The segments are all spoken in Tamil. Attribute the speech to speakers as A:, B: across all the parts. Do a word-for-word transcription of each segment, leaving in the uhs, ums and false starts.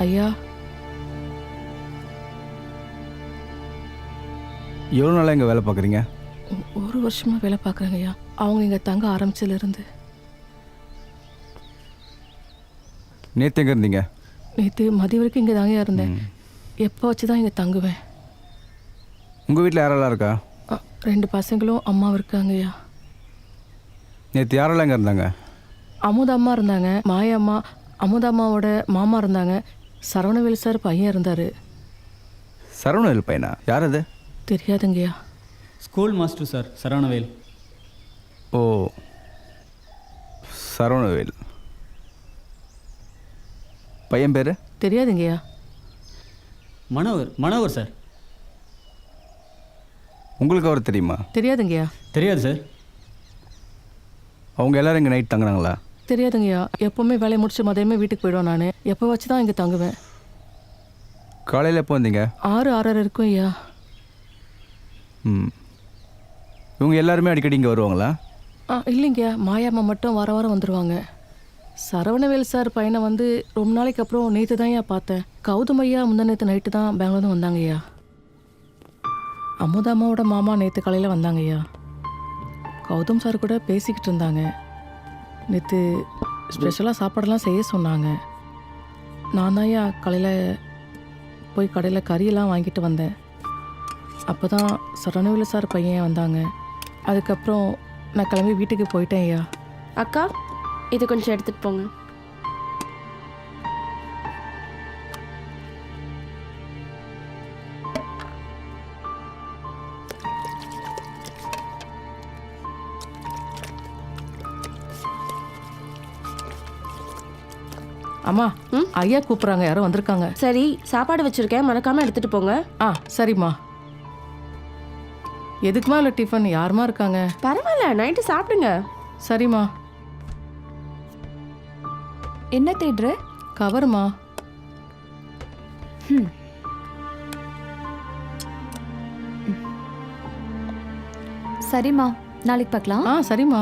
A: ஐயா,
B: எவ்வளோ நாளாக இங்கே வேலை பார்க்குறீங்க?
A: ஒரு வருஷமா வேலை பார்க்குறேங்க ஐயா. அவங்க இங்கே தங்க ஆரம்பிச்சதுலேருந்து.
B: நேற்று எங்கே இருந்தீங்க?
A: நேற்று மதிய வரைக்கும் இங்கே தாங்க இருந்தேன். எப்போ வச்சு தான் இங்கே தங்குவேன்.
B: உங்கள் வீட்டில் யாரெல்லாம் இருக்கா?
A: அ, ரெண்டு பசங்களும் அம்மாவும் இருக்காங்க ஐயா.
B: நேற்று யாரெல்லாம் இங்கே இருந்தாங்க?
A: அமுதம்மா இருந்தாங்க, மாயம்மா, அமுதம்மாவோட மாமா இருந்தாங்க, சரவணவேல் சார் பையன் இருந்தார்.
B: சரவணவேல் பையனா? யார் அது?
A: தெரியாதுங்கய்யா.
C: School master sir, Saravanavel.
B: ஓ, சரவணவேல். பையன் பேர்?
A: தெரியாதுங்கய்யா.
C: மனோகர், மனோகர் சார்.
B: உங்களுக்கு அவர் தெரியுமா?
A: தெரியாதுங்கய்யா.
C: தெரியாது சார்.
B: அவங்க எல்லோரும் இங்கே நைட் தங்குறாங்களா?
A: தெரியாதுங்கய்யா. எப்போவுமே வேலையை முடிச்சு மதியமே வீட்டுக்கு போயிடுவேன். நான் எப்போ வச்சு தான் இங்கே தங்குவேன்.
B: காலையில் எப்போ வந்தீங்க?
A: ஆறு ஆறரை இருக்கும் ஐயா.
B: ம், இவங்க எல்லாருமே அடிக்கடி இங்கே வருவாங்களா?
A: ஆ, இல்லைங்கய்யா. மாயாம்மா மட்டும் வார வாரம் வந்துடுவாங்க. சரவணவேல் சார் பையனை வந்து ரொம்ப நாளைக்கு அப்புறம் நேற்று தான் ஐயா பார்த்தேன். கௌதம் ஐயா முந்தா நேற்று நைட்டு தான் பெங்களூர் வந்தாங்க ஐயா. அமுதாம்மாவோட மாமா நேற்று காலையில் வந்தாங்க ஐயா. கௌதம் சார் கூட பேசிக்கிட்டு இருந்தாங்க. நேற்று ஸ்பெஷலாக சாப்பாடெல்லாம் செய்ய சொன்னாங்க. நான் தான் ஐயா காலையில் போய் கடையில் கறியெல்லாம் வாங்கிட்டு வந்தேன். அப்போ தான் சரவணவேல் சார் பையன் வந்தாங்க. அதுக்கப்புறம் நான் கிளம்பி வீட்டுக்கு போயிட்டேன் ஐயா.
D: அக்கா, இது கொஞ்சம் எடுத்துட்டு போங்க.
A: அம்மா, ஐயா கூப்பிட்றாங்க, யாரோ வந்திருக்காங்க.
D: சரி, சாப்பாடு வச்சிருக்கேன், மறக்காம எடுத்துட்டு போங்க.
A: ஆ, சரிம்மா. எதுக்குமா இல்லை டிஃபன்? யாருமா இருக்காங்க?
D: பரவாயில்ல, நைட்டு சாப்பிடுங்க.
A: சரிம்மா.
E: என்ன தேடுற?
A: கவருமா.
E: ம். சரிம்மா, நாளைக்கு பார்க்கலாம்.
A: ஆ, சரிம்மா.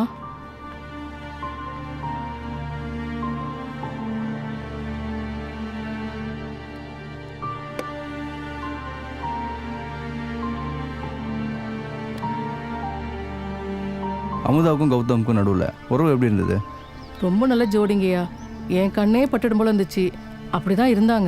B: அமுதாவுக்கும் கௌதமுக்கும் நடுவில் உறவு எப்படி இருந்தது?
A: ரொம்ப நல்ல ஜோடிங்கய்யா. என் கண்ணே பட்டுடும் போல இருந்துச்சு. அப்படி தான் இருந்தாங்க.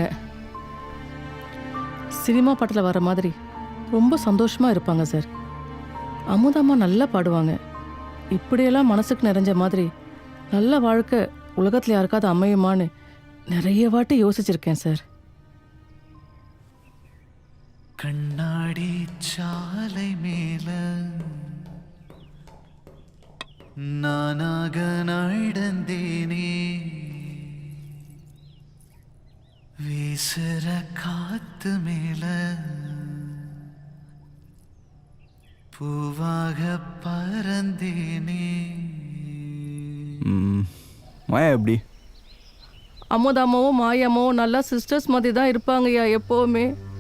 A: சினிமா பாட்டில் வர மாதிரி ரொம்ப சந்தோஷமாக இருப்பாங்க சார். அமுதாம்மா நல்லா பாடுவாங்க. இப்படியெல்லாம் மனசுக்கு நிறைஞ்ச மாதிரி நல்ல வாழ்க்கை உலகத்தில் யாருக்காவது அமையுமான்னு நிறைய வாட்டி யோசிச்சிருக்கேன் சார்.
F: கண்ணாடி சாலை மேல நானாக நடந்தேனே, வீசுற காத்து மேல பூவாக பறந்தேனே.
B: மாயா எப்படி?
A: அமுதாம்மாவும் மாயாம்மாவும் நல்லா சிஸ்டர்ஸ் மாதிரி தான் இருப்பாங்கய்யா எப்போவுமே.